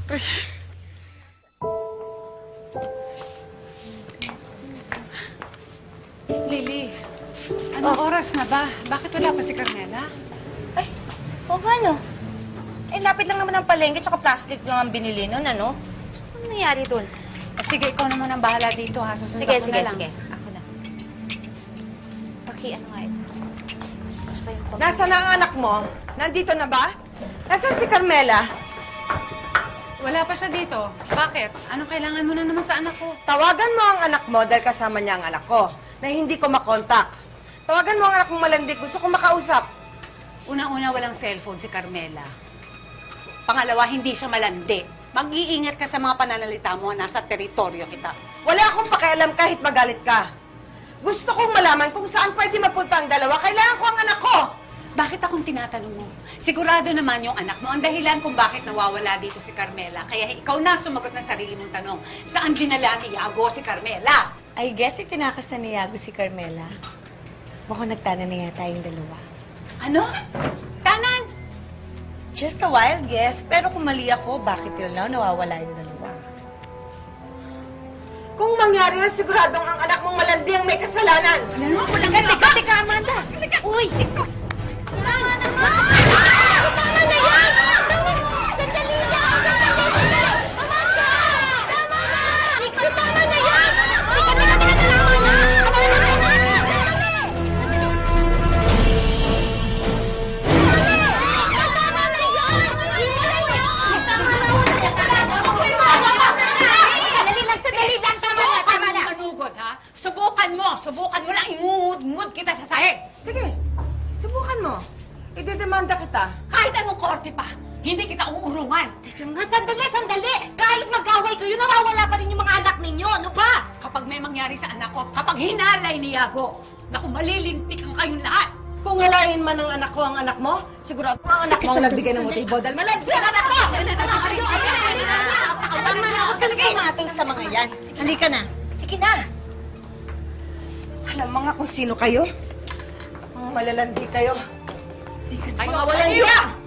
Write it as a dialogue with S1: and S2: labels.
S1: Ay.
S2: Lily, anong oras na ba? Bakit wala pa si Carmela?
S3: Ay, o ano? Eh, lapit lang naman ang palengke tsaka plastic lang ang binili nun, ano? Anong nangyari dun?
S2: O sige, ikaw naman ang bahala dito ha. Susunod
S3: Sige,
S2: ako
S3: sige,
S2: na lang.
S3: sige. Ako na. Ano nga ito? Tsaka yung pag-
S1: Nasaan na ang anak mo? Nandito na ba? Nasaan si Carmela?
S2: Wala pa siya dito. Bakit? Anong kailangan mo na naman sa anak ko?
S1: Tawagan mo ang anak mo dahil kasama niya ang anak ko na hindi ko makontak. Tawagan mo ang anak mong malandig. Gusto kong makausap.
S2: Unang-una, walang cellphone si Carmela. Pangalawa, hindi siya malandi. Mag-iingat ka sa mga pananalita mo. Nasa teritoryo kita.
S1: Wala akong pakialam kahit magalit ka. Gusto kong malaman kung saan pwede mapunta ang dalawa. Kailangan ko ang anak ko.
S2: Bakit akong tinatanong mo? Sigurado naman yung anak mo ang dahilan kung bakit nawawala dito si Carmela. Kaya ikaw na sumagot ng sarili mong tanong. Saan dinala ni Yago si Carmela?
S4: I guess itinakas na ni Yago si Carmela. Mukhang nagtana na yata yung dalawa.
S2: Ano? Tanan?
S4: Just a wild guess, pero kung mali ako, bakit till now nawawala yung dalawa?
S1: Kung mangyari yun, siguradong ang anak mong malandi ang may kasalanan.
S2: Ano? Walang
S3: Teka, Amanda! Uy! Tama naman! Tama na yan! Sandali lang! Sandali! Amanda! Tama na! Nixie, tama na yan! Teka, tama na! Tama na! Tama na yan! Sandali lang! Tama na! Tama na!
S2: Manugod, ha? Subukan mo lang ingungud-ngud kita sa sahig.
S1: Sige, subukan mo. Idedemanda kita.
S2: Kahit anong korte pa, hindi kita uurungan.
S3: Teka nga, sandali! Kahit mag-away kayo, nawawala pa rin yung mga anak ninyo. Ano ba?
S2: Kapag may mangyari sa anak ko, kapag hinalay ni Yago, naku, malilintik ang kayong lahat.
S1: Kung halayin man ng anak ko ang anak mo, sigurado ang anak mo ang nagbigay ng motibo dahil malandi ang anak ko!
S4: Tama na ako talaga pumatol sa mga yan. Halika na.
S3: Sige na!
S1: Alam mga kung sino kayo? Mga malalandi kayo.
S2: Kayo,
S1: Mga walang hiya!